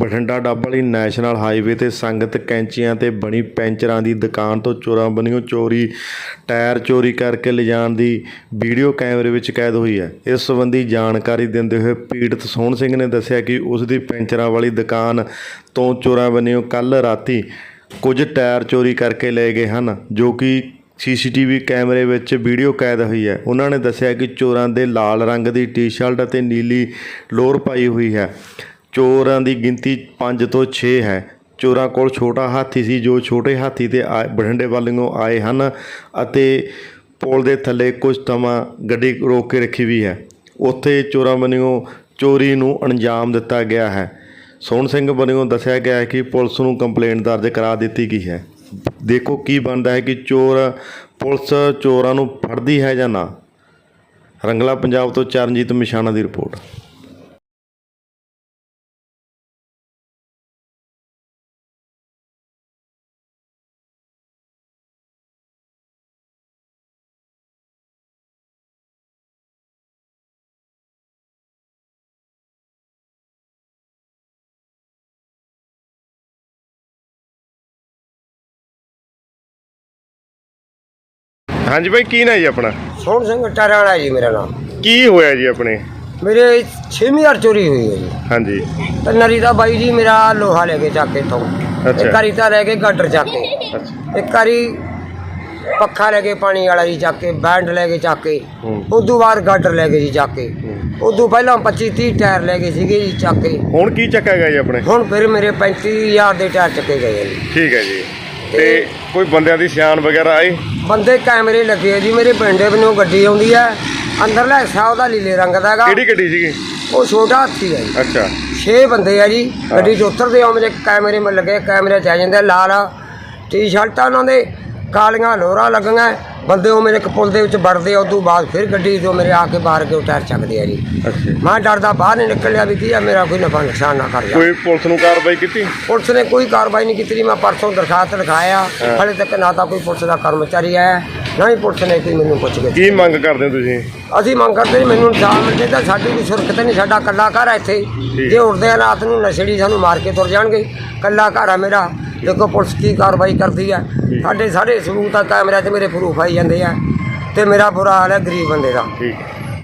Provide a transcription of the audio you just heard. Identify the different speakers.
Speaker 1: ਬਠਿੰਡਾ ਡੱਬ ਵਾਲੀ national highway ਤੇ ਸੰਗਤ ਕੈਂਚੀਆਂ ਤੇ ਬਣੀ ਪੈਂਚਰਾਂ ਦੀ ਦੁਕਾਨ ਤੋਂ ਚੋਰਾਂ ਵੱਲੋਂ ਟਾਇਰ ਚੋਰੀ ਕਰਕੇ ਲਿਜਾਣ ਦੀ ਵੀਡੀਓ ਕੈਮਰੇ ਵਿੱਚ ਕੈਦ ਹੋਈ ਹੈ। ਇਸ ਸੰਬੰਧੀ ਜਾਣਕਾਰੀ ਦਿੰਦੇ ਹੋਏ ਪੀੜਤ ਸੋਹਣ ਸਿੰਘ ਨੇ ਦੱਸਿਆ ਕਿ ਉਸ ਦੀ ਪੈਂਚਰਾਂ ਵਾਲੀ ਦੁਕਾਨ ਤੋਂ ਚੋਰਾਂ ਵੱਲੋਂ ਕੱਲ੍ਹ ਰਾਤੀ ਕੁਝ ਟਾਇਰ ਚੋਰੀ ਕਰਕੇ ਲੈ ਗਏ ਹਨ, ਜੋ ਕਿ CCTV ਕੈਮਰੇ ਵਿੱਚ ਵੀਡੀਓ ਕੈਦ ਹੋਈ ਹੈ। ਉਹਨਾਂ ਨੇ ਦੱਸਿਆ ਕਿ ਚੋਰਾਂ ਦੇ ਲਾਲ ਰੰਗ ਦੀ ਟੀ-ਸ਼ਰਟ ਅਤੇ ਨੀਲੀ ਲੋਅਰ ਪਾਈ ਹੋਈ ਹੈ। ਚੋਰਾਂ ਦੀ ਗਿਣਤੀ 5 ਤੋਂ 6 ਹੈ। ਚੋਰਾਂ ਕੋਲ ਛੋਟਾ ਹਾਥੀ ਸੀ, ਜੋ ਛੋਟੇ ਹਾਥੀ 'ਤੇ ਬਠਿੰਡੇ ਵੱਲੋਂ ਆਏ ਹਨ ਅਤੇ ਪੁਲ ਦੇ ਥੱਲੇ ਕੁਝ ਸਮਾਂ ਗੱਡੀ ਰੋਕ ਕੇ ਰੱਖੀ ਵੀ ਹੈ। ਉੱਥੇ ਚੋਰਾਂ ਵੱਲੋਂ ਚੋਰੀ ਨੂੰ ਅੰਜਾਮ ਦਿੱਤਾ ਗਿਆ ਹੈ। ਸੋਹਣ ਸਿੰਘ ਵੱਲੋਂ ਦੱਸਿਆ ਗਿਆ ਹੈ ਕਿ ਪੁਲਿਸ ਨੂੰ ਕੰਪਲੇਂਟ ਦਰਜ ਕਰਾ ਦਿੱਤੀ ਗਈ ਹੈ। ਦੇਖੋ ਕੀ ਬਣਦਾ ਹੈ ਕਿ ਪੁਲਿਸ ਚੋਰਾਂ ਨੂੰ ਫੜਦੀ ਹੈ ਜਾਂ ਨਾ। ਰੰਗਲਾ ਪੰਜਾਬ ਤੋਂ ਚਰਨਜੀਤ ਮਿਸ਼ਾਣਾ ਦੀ ਰਿਪੋਰਟ। ਹਾਂਜੀ ਭਾਈ, ਕੀ ਨਾਂ ਜੀ ਆਪਣਾ?
Speaker 2: ਸੋਹਣ ਸਿੰਘ ਟਰਾਣਾ ਜੀ ਮੇਰਾ ਨਾਮ।
Speaker 1: ਕੀ ਹੋਇਆ ਜੀ ਆਪਣੇ?
Speaker 2: ਮੇਰੇ 6ਵੀਂ ਵਾਰ ਚੋਰੀ ਹੋਈ ਹੈ ਜੀ।
Speaker 1: ਹਾਂਜੀ।
Speaker 2: ਤੇ ਨਰੀ ਦਾ ਬਾਈ ਜੀ ਮੇਰਾ ਲੋਹਾ ਲੈ ਕੇ ਚੱਕ ਕੇ ਤੋਂ ਇੱਕ ਵਾਰੀ ਤਾਂ ਲੈ ਕੇ ਗਾਡਰ ਚੱਕ ਕੇ, ਇੱਕ ਵਾਰੀ ਪੱਖਾ ਲੈ ਕੇ ਪਾਣੀ ਵਾਲਾ ਜੀ ਚੱਕ ਕੇ, ਬੈਂਡ ਲੈ ਕੇ ਚੱਕ ਕੇ, ਉਦੋਂ ਬਾਅਦ ਗਾਡਰ ਲੈ ਕੇ ਜੀ ਚੱਕ ਕੇ, ਉਦੋਂ ਪਹਿਲਾਂ 25-30 ਟਾਇਰ ਲੈ ਗਏ ਸੀਗੇ ਜੀ ਚੱਕ ਕੇ।
Speaker 1: ਹੁਣ ਕੀ ਚੱਕਿਆ ਗਿਆ ਜੀ ਆਪਣੇ?
Speaker 2: ਹੁਣ ਫਿਰ ਮੇਰੇ 35,000 ਦੇ ਟਾਇਰ ਚੱਕੇ ਗਏ ਜੀ।
Speaker 1: ਠੀਕ ਹੈ ਜੀ। ਤੇ ਕੋਈ ਬੰਦਿਆਂ ਦੀ ਸਿਆਣ ਵਗੈਰਾ ਆਈ? ਬੰਦੇ
Speaker 2: ਕੈਮਰੇ ਲੱਗੇ ਆ ਜੀ। ਮੇਰੇ ਪਿੰਡੇ ਵੱਲੋਂ ਗੱਡੀ ਆਉਂਦੀ ਹੈ, ਅੰਦਰਲਾ ਹਿੱਸਾ ਉਹਦਾ ਲੀਲੇ ਰੰਗ ਦਾ ਹੈਗਾ।
Speaker 1: ਕਿਹੜੀ ਗੱਡੀ ਸੀਗੀ?
Speaker 2: ਉਹ ਛੋਟਾ ਹਾਥੀ ਹੈ ਜੀ।
Speaker 1: ਅੱਛਾ।
Speaker 2: 6 ਬੰਦੇ ਆ ਜੀ ਗੱਡੀ 'ਚ ਉਤਰਦੇ ਆ। ਮੇਰੇ ਕੈਮਰੇ ਮੇ ਲੱਗੇ, ਕੈਮਰੇ 'ਚ ਆ ਜਾਂਦੇ। ਲਾਲ ਟੀ-ਸ਼ਰਟਾਂ ਉਹਨਾਂ ਦੇ, ਕਾਲੀਆਂ ਲੋਅਰਾਂ ਲੱਗੀਆਂ। ਬੰਦੇ ਉਹ ਮੇਰੇ ਪੁਲ ਦੇ ਵਿੱਚ ਵੜਦੇ ਆ। ਉਦੋਂ ਬਾਅਦ ਫਿਰ ਗੱਡੀ ਤੋਂ ਮੇਰੇ ਆ ਕੇ ਬਾਹਰ ਕੇ ਟਾਇਰ ਚੱਕਦੇ ਆ ਜੀ। ਮੈਂ ਡਰਦਾ ਬਾਹਰ ਨਹੀਂ ਨਿਕਲਿਆ ਵੀ ਕੀ ਆ ਮੇਰਾ ਕੋਈ ਨਫਾ ਨੁਕਸਾਨ ਨਾ ਕਰ ਜਾਵੇ।
Speaker 1: ਕੋਈ ਪੁਲਿਸ ਨੂੰ ਕਾਰਵਾਈ ਕੀਤੀ?
Speaker 2: ਪੁਲਿਸ ਨੇ ਕੋਈ ਕਾਰਵਾਈ ਨਹੀਂ ਕੀਤੀ। ਮੈਂ ਪਰਸੋਂ ਦਰਖਾਸਤ ਲਿਖਾਇਆ, ਹਾਲੇ ਤੱਕ ਨਾ ਤਾਂ ਕੋਈ ਪੁਲਿਸ ਦਾ ਕਰਮਚਾਰੀ ਆਇਆ, ਨਾ ਹੀ ਪੁਲਿਸ ਨੇ ਕੋਈ ਮੈਨੂੰ ਪੁੱਛ ਗਿਆ।
Speaker 1: ਕੀ ਮੰਗ ਕਰਦੇ ਹੋ ਤੁਸੀਂ?
Speaker 2: ਅਸੀਂ ਮੰਗ ਕਰਦੇ ਮੈਨੂੰ ਇਨਸਾਫ ਮਿਲ ਜਾਏ। ਸਾਡੀ ਕੋਈ ਸੁਰੱਖਿਅਤ ਨਹੀਂ। ਸਾਡਾ ਕੱਲਾ ਘਰ ਆ ਇੱਥੇ। ਜੇ ਉੱਠਦੇ ਆ ਰਾਤ ਨੂੰ ਨਸ਼ੇੜੀ ਸਾਨੂੰ ਮਾਰ ਕੇ ਤੁਰ ਜਾਣਗੇ। ਕੱਲਾ ਘਰ ਆ ਮੇਰਾ। ਦੇਖੋ ਪੁਲਿਸ ਕੀ ਕਾਰਵਾਈ ਕਰਦੀ ਆ। ਸਾਡੇ ਸਾਰੇ ਸਬੂਤ ਆ ਕੈਮਰਿਆਂ 'ਚ, ਮੇਰੇ ਪ੍ਰੂਫ ਆਈ ਜਾਂਦੇ ਆ। ਤੇ ਮੇਰਾ ਬੁਰਾ ਹਾਲ ਹੈ ਗਰੀਬ ਬੰਦੇ ਦਾ।